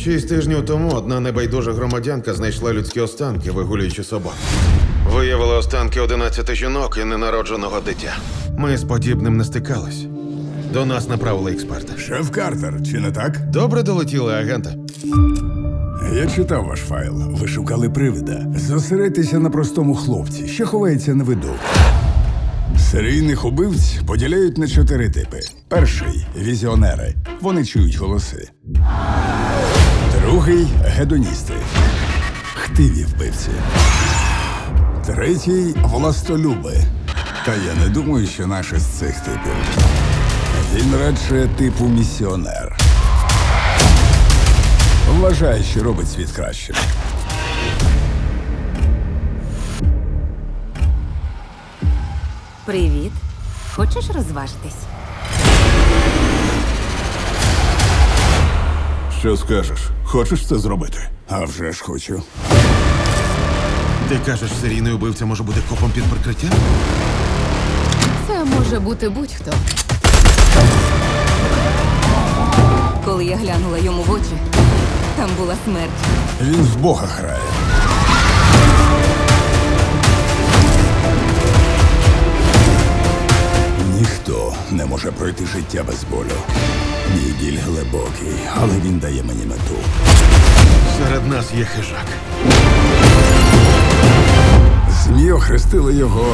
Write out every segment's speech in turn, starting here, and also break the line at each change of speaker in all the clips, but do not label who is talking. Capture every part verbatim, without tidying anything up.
Шість тижнів тому одна небайдужа громадянка знайшла людські останки, вигулюючи собак. Виявили останки одинадцяти жінок і ненародженого дитя. Ми з подібним не стикались. До нас направили експерта.
Шеф Картер, чи не так?
Добре долетіли, агенти.
Я читав ваш файл. Ви шукали привида. Зосередьтеся на простому хлопці, що ховається на виду. Серійних убивць поділяють на чотири типи. Перший – візіонери. Вони чують голоси. Другий – гедоністи. Хтиві вбивці. Третій – властолюби. Та я не думаю, що наш із цих типів. Він радше типу місіонер. Вважає, що робить світ кращим.
Привіт. Хочеш розважитись?
Що скажеш? Хочеш це зробити?
А вже ж хочу.
Ти кажеш, серійний убивця може бути копом під прикриттям?
Це може бути будь-хто.
Коли я глянула йому в очі, там була смерть.
Він в Бога грає. Ніхто не може пройти життя без болю. Мій біль глибокий, але він дає мені мету.
Серед нас є хижак.
ЗМІ охрестили його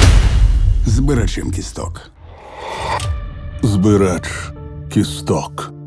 збирачем кісток.
Збирач кісток.